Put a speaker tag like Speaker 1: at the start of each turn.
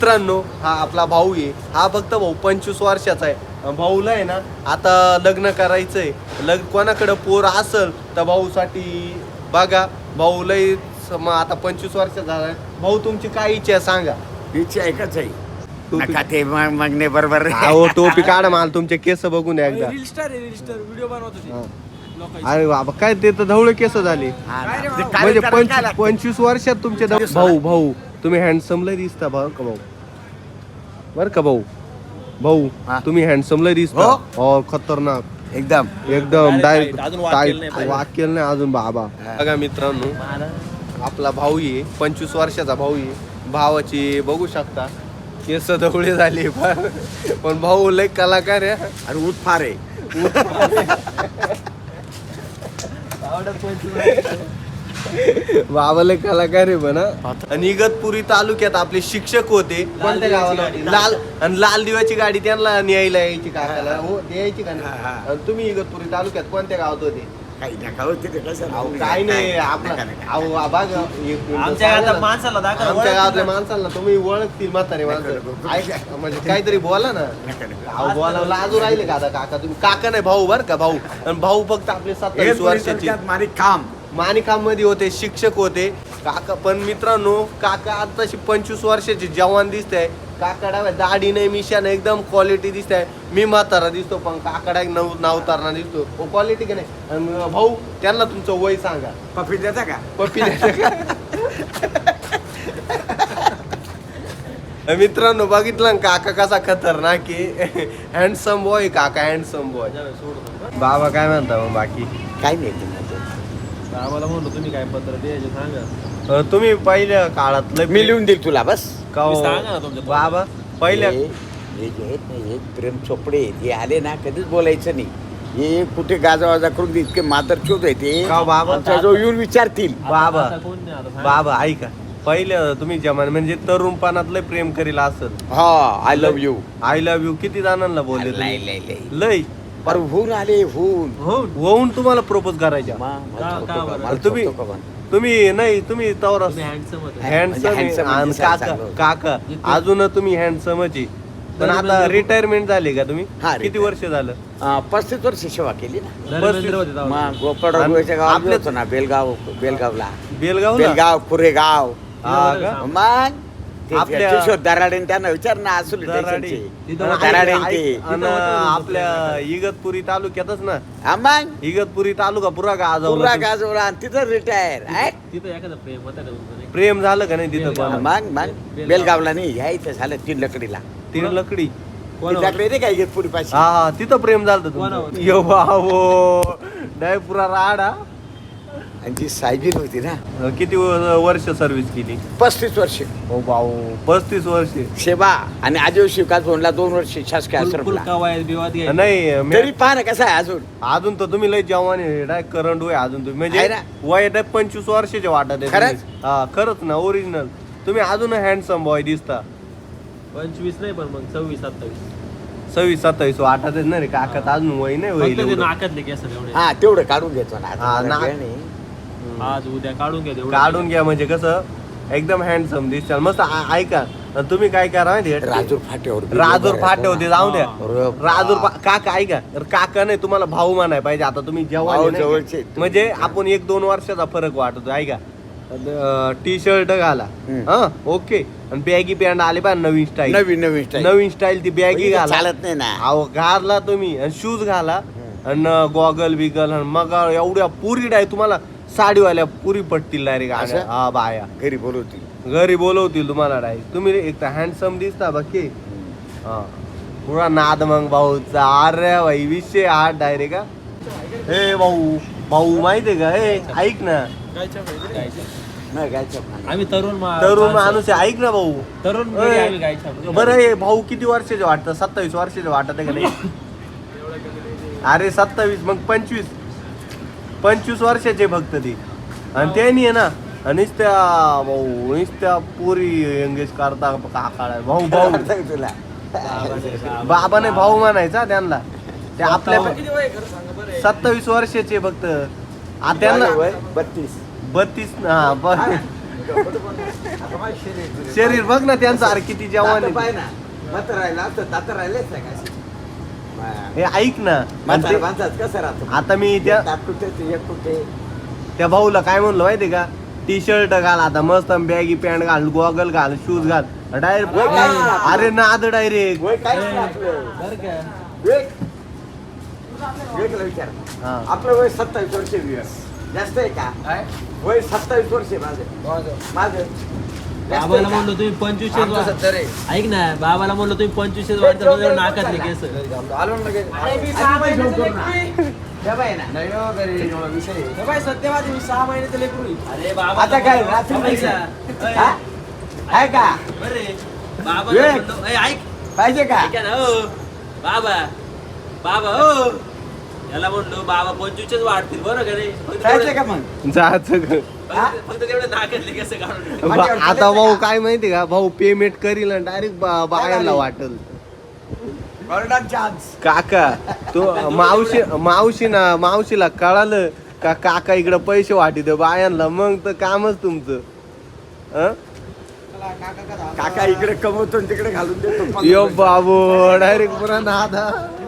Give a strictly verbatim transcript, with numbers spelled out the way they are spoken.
Speaker 1: मित्रांनो हा आपला भाऊ आहे. हा फक्त भाऊ पंचवीस वर्षाचा आहे. भाऊला आहे ना आता लग्न करायचंय. लग्न कोणाकडे पोर असल तर भाऊसाठी बघा. भाऊ लय मग आता पंचवीस वर्षाचा झालाय. भाऊ तुमची काय इच्छा आहे सांगा.
Speaker 2: इच्छा एकच आहे नका ते मागणे बरोबर.
Speaker 1: अहो टोपी काढा मला तुमचे केस बघून या एकदा.
Speaker 3: रील स्टार आहे, रील स्टार व्हिडिओ बनवतो ते.
Speaker 1: अरे बाबा काय ते तर ढवळे केस झाले. म्हणजे पंचवीस पंचवीस वर्षात तुमचे ढव- भाऊ भाऊ तुम्ही हँडसम लय दिसता भाऊ का भाऊ बर का भाऊ भाऊ
Speaker 2: हा.
Speaker 1: तुम्ही हँडसम लय दिसता.
Speaker 2: हो.
Speaker 1: हो खतरनाक
Speaker 2: एकदम
Speaker 1: एकदम
Speaker 3: Direct
Speaker 1: डायरेक्ट
Speaker 3: tight. अजून वाक केलं नाही
Speaker 1: वाक केलं नाही अजून बाबा. बघा मित्रांनो आपला भाऊ आहे पंचवीस वर्षाचा भाऊ आहे. भावाची बघू शकता केस ढवळे झाले पण पण भाऊ लय कलाकार आहे.
Speaker 2: आणि ऊट फार आहे.
Speaker 1: बाबाले कलाकार आहे म्हणा. आणि इगतपुरी तालुक्यात आपले शिक्षक होते. कोणत्या गावाला लाल आणि लाल दिव्याची गाडी त्यांना न्यायला यायची काकाला. हो ते यायची का
Speaker 2: हा,
Speaker 1: नाही.
Speaker 2: हा.
Speaker 1: आणि तुम्ही इगतपुरी तालुक्यात कोणत्या गावात होते.
Speaker 2: काही नका होते ते कसं
Speaker 1: अहो काय नाही आपला अहो आबा ग- एक मिनिटं
Speaker 3: आमच्या
Speaker 1: सांगा
Speaker 3: गावातल्या
Speaker 1: ना.
Speaker 3: माणसाला दाखवा.
Speaker 1: आमच्या गावातल्या माणसाला तुम्ही ओळखतील म्हातारे माणसं.
Speaker 2: नका,
Speaker 1: ऐका म्हणजे काहीतरी बोला ना.
Speaker 2: नका, नका.
Speaker 1: अहो बोला लाजू राहिले का आता काका तुम्ही. काका नाही भाऊ बर का भाऊ. आणि भाऊ फक्त आपले सत्तावीस वर्षाचे
Speaker 2: मारी काम
Speaker 1: माणिकाम मध्ये होते. शिक्षक होते काका. पण मित्रांनो काका आताशी पंचवीस वर्षाचे जवान दिसत आहे. काका डाव्या दाढी नाही मिशा नाही एकदम क्वालिटी दिसत आहे. मी म्हातारा दिसतो पण काका डाय नव नावतारणा दिसतो. हो क्वालिटी का नाही. आणि भाऊ त्यांना तुमचं वय सांगा.
Speaker 2: पफी देता का
Speaker 1: पप्पी द्यायचं का? मित्रांनो बघितलं ना काका कसा खतरनाक आहे. हँडसम बॉय काका हँडसम बॉय. बाबा काय म्हणता मग बाकी
Speaker 2: काही नाही तुम्हाला
Speaker 3: आम्हाला म्हणलो तुम्ही काय पत्र द्यायचे सांगा.
Speaker 1: अं, तुम्ही पहिल्या काळातलं
Speaker 2: मी लिहून देईल तुला बस.
Speaker 1: का हो?
Speaker 3: तुम्ही सांगा ना तुमच्या
Speaker 1: बाबा पहिल्या
Speaker 2: हे हे जे आहेत ना हे प्रेम चोपडे आहेत, हे आले ना कधीच बोलायचं नाही. हे कुठे गाजावाजा करून इतके मादरचोद आहे ते
Speaker 1: का बाबा?
Speaker 2: जो येऊन विचारतील.
Speaker 1: बाबा
Speaker 3: आता कोण नाही आता सांगा.
Speaker 1: बाबा ऐका पहिलं तुम्ही जमान म्हणजे तरुणपणातलं प्रेम करील असेल.
Speaker 2: हा I love you.
Speaker 1: I love you किती जणांना बोलले
Speaker 2: लय
Speaker 1: तुम्ही?
Speaker 2: लय लय
Speaker 1: लय
Speaker 2: पर होऊन आले होऊन
Speaker 1: हो होऊन तुम्हाला प्रपोज करायच्या.
Speaker 2: मा- मला
Speaker 3: का-
Speaker 2: ठोको
Speaker 3: का
Speaker 2: का,
Speaker 3: बरं?
Speaker 2: मला
Speaker 1: तुम्ही
Speaker 2: ठोको का म्हण.
Speaker 1: तुम्ही नाही तुम्ही तवरा
Speaker 3: तुम्ही handsome होते.
Speaker 1: हँडसम
Speaker 2: म्हणजे handsome
Speaker 1: आणि
Speaker 2: म्हणजे
Speaker 1: काका
Speaker 2: चांगलं.
Speaker 1: काका अजून तुम्ही हँडसमच आहे. पण
Speaker 3: तरी
Speaker 1: आता
Speaker 3: म्हणजे-
Speaker 1: रिटायरमेंट झाली का तुम्ही
Speaker 2: हा,
Speaker 1: किती
Speaker 2: retire.
Speaker 1: वर्ष झालं.
Speaker 2: अं, पस्तीस वर्ष सेवा केली ना.
Speaker 3: धर्मेंद्र होते तेव्हा.
Speaker 2: मग गोपाळरावच्या गावात
Speaker 1: आपल्या-
Speaker 2: होतो ना बेलगाव बेलगावला
Speaker 1: बेलगाव
Speaker 2: बेलगाव कुरेगाव.
Speaker 1: हा का?
Speaker 2: मग ते
Speaker 1: आपल्या-
Speaker 2: किशोर दराडे त्यांना विचार ना असू
Speaker 1: दराडे.
Speaker 3: तिथं
Speaker 1: आणि
Speaker 2: दराडे
Speaker 1: ऐक-
Speaker 2: ते.
Speaker 1: ऐक- आणि आपल्या इगतपुरी तालुक्यातच ना.
Speaker 2: मग
Speaker 1: इगतपुरी तालुका पुरा
Speaker 2: पुरा
Speaker 1: गाजवला.
Speaker 2: गाजवला आणि तिथं रिटायर
Speaker 3: तिथं एखादं प्रेम होतं का तुमचं नाही?
Speaker 1: प्रेम झालं का नाही तिथं
Speaker 3: बेलगाव.
Speaker 1: पण
Speaker 2: मग मग बेलगावला नाही ह्या इथं झालं तीन लकडीला.
Speaker 1: तीन लकडी.
Speaker 3: कोणावर?
Speaker 2: तिच्याकडे नाही काय पुरी पाशी.
Speaker 1: हा हा तिथं प्रेम झालं तुमचं.
Speaker 3: कोणावर?
Speaker 1: यो बाबो डाय पुरा राडा.
Speaker 2: आणि जी सायबीन होती ना
Speaker 1: किती व- वर्ष सर्व्हिस केली.
Speaker 2: पस्तीस वर्ष
Speaker 1: हो भाऊ पस्तीस वर्ष.
Speaker 2: सेवा आणि आजीव शिवकास भवनला दोन वर्ष शासकीय
Speaker 3: फुल- फुल
Speaker 2: आश्रमला.
Speaker 3: कवायत बिवायत घ्यायची.
Speaker 1: नाही मी-
Speaker 2: तरी पहा ना कसं आहे अजून.
Speaker 1: अजून तर तुम्ही लय जवान आहे डाय करंट वय अजून तुम्ही म्हणजे
Speaker 2: आहे ना?
Speaker 1: वय डाय पंचवीस वर्षाचे वाटत आहे
Speaker 2: खरंच?
Speaker 1: तुम्ही. हा खरंच ना ओरिजिनल. तुम्ही अजून हँडसम बॉय दिसता.
Speaker 3: पंचवीस नाही पण मग सव्वीस सत्तावीस.
Speaker 1: सव्वीस सत्तावीस वाटत आहे ना रे काका अजून वय नाही
Speaker 3: फक्त ते
Speaker 1: वय.
Speaker 3: नाकातले केस एवढे.
Speaker 2: हा तेवढं काढून घेतो ना आता
Speaker 1: हा,
Speaker 2: मला
Speaker 1: ना-
Speaker 2: वेळ नाही.
Speaker 3: आज उद्या काढून घ्या तेवढं.
Speaker 1: काढून घ्या म्हणजे कसं एकदम हँडसम दिसतात मस्त. आ- ऐका आणि तुम्ही काय करा माहिती आहे?
Speaker 2: राजूर फाट्यावर
Speaker 1: राजूर फाटे होते जाऊ द्या.
Speaker 2: अरे
Speaker 1: राजूर
Speaker 2: बाप.
Speaker 1: फा- काका ऐका तर काका नाही तुम्हाला भाऊ म्हणाय पाहिजे. आता तुम्ही जवान आहे
Speaker 2: भाऊ
Speaker 1: नाही
Speaker 2: जवळचे.
Speaker 1: का? म्हणजे आपण एक दोन वर्षाचा फरक वाटतो. ऐका टी शर्ट घाला
Speaker 2: हम्म.
Speaker 1: हा ओके आणि बॅगी पॅन्ट आले पा नवीन स्टाईल.
Speaker 2: नवीन नवीन स्टाईल.
Speaker 1: नवीन स्टाईल ती बॅगी
Speaker 2: म्हणजे
Speaker 1: घाला.
Speaker 2: चालत नाही ना.
Speaker 1: अहो घाला तुम्ही आणि शूज घाला आणि गॉगल बिगल आणि मग एवढ्या पुरी डाय तुम्हाला साडीवाल्या पुरी पटतील डायरेक्ट.
Speaker 2: असं?
Speaker 1: हा बाया
Speaker 2: घरी बोलवतील.
Speaker 1: घरी बोलवतील तुम्हाला डायरेक्ट. तुम्ही एक तर हँडसम दिसता बाकी हा पुरा नाद मग भाऊचा. अरे भाई विषय हा डायरेक्ट का. हे भाऊ भाऊ माहितीये का हे ऐक ना
Speaker 3: गायच्या पाहिजे, गायच्या.
Speaker 2: नाही गायच्या पाण्यात.
Speaker 3: आम्ही तरुण मा-
Speaker 1: तरुण
Speaker 3: माणसं.
Speaker 1: माणूस आहे. ऐक ना भाऊ
Speaker 3: तरुण
Speaker 1: ओय.
Speaker 3: पिढी आम्ही गायच्या पाहिजे.
Speaker 1: बरं हे भाऊ किती वर्षाचे वाटतं. सत्तावीस वर्षाचे वाटत आहे का नाही. अरे सत्तावीस मग पंचवीस पंचवीस वर्षाचे फक्त ते. आणि त्यांनी आहे ना आणि त्या भाऊ नुसत्या पुरी एंगेज करता काकाळा भाऊ भाऊ
Speaker 2: सांग तुला.
Speaker 1: बाबाने भाऊ म्हणायचा त्यांना. ते आपल्या
Speaker 3: किती वय आहे खरं सांगा बरं.
Speaker 1: सत्तावीस वर्षाचे फक्त. आ, त्यांना
Speaker 2: वय बत्तीस.
Speaker 1: बत्तीस हा ब-
Speaker 2: आता माझं शरीर बिरीर
Speaker 1: शरीर बघ ना त्यांचं अरे किती जवान
Speaker 2: दातं पाय
Speaker 1: आहे.
Speaker 2: ना मत राहिला तर दात राहिलेच नाही का
Speaker 1: हे ऐक ना आणि
Speaker 2: म्हातारा
Speaker 1: ते-
Speaker 2: माणसात कसं राहतो
Speaker 1: आता मी त्या
Speaker 2: दात कुठे ते एक कुठे
Speaker 1: त्या भाऊला काय म्हणलं माहितीये का टी शर्ट घाल आता मस्त बॅगी पॅन्ट घाल गॉगल घाल शूज घाल डायरेक्ट
Speaker 2: वय काय नाही.
Speaker 1: अरे नाद डायरेक्ट
Speaker 2: वय काहीच नाही आपलं
Speaker 3: बरं का
Speaker 2: विवेक विवेकला विचार
Speaker 1: हा.
Speaker 2: आपलं वय सत्तावीस वर्ष विवेक जास्त आहे का वय सत्तावीस वर्ष आहे माझं माझं जास्त
Speaker 3: बाबाला
Speaker 2: आहे का?
Speaker 3: म्हणलो तुम्ही पंचवीस
Speaker 4: आमचं सत्तर आहे.
Speaker 3: ऐक ना बाबाला म्हणलो तुम्ही पंचवीस वाढता तुझ्यावर नाकातले केस
Speaker 4: आलो ना लगेच.
Speaker 2: आधी पैसे उचल ना. द्या बाई ना.
Speaker 4: नाही हो, घरी एवढा विषय आहे.
Speaker 3: अरे बाबा
Speaker 2: आता काय रात्री पैसे हा? आहे का
Speaker 3: बरे बाबा
Speaker 2: विवेक.
Speaker 3: म्हणलो, ए, ऐक
Speaker 2: पाहिजे का
Speaker 3: ऐका ना हो बाबा बाबा हो याला म्हणलो बाबा पंचवीसच वाढतील बरं का रे फक्त
Speaker 2: पाहिजे का
Speaker 3: तेवढं-
Speaker 2: मग
Speaker 1: जायचं ग.
Speaker 3: फक्त फक्त तेवढं नाकातले केस काढून
Speaker 1: बा- आता भाऊ काय माहिती का भाऊ पेमेंट करील डायरेक्ट बायांना वाटल
Speaker 2: ऑर्डर चान्स
Speaker 1: काका तो मावशी मावशी ना मावशीला कळालं का काका इकडे पैसे वाटी बायांना मग तर कामच तुमचं हं?
Speaker 2: काका इकडे कमवतो आणि तिकडे घालून देतो
Speaker 1: यो बाबू डायरेक्ट पुरा नादा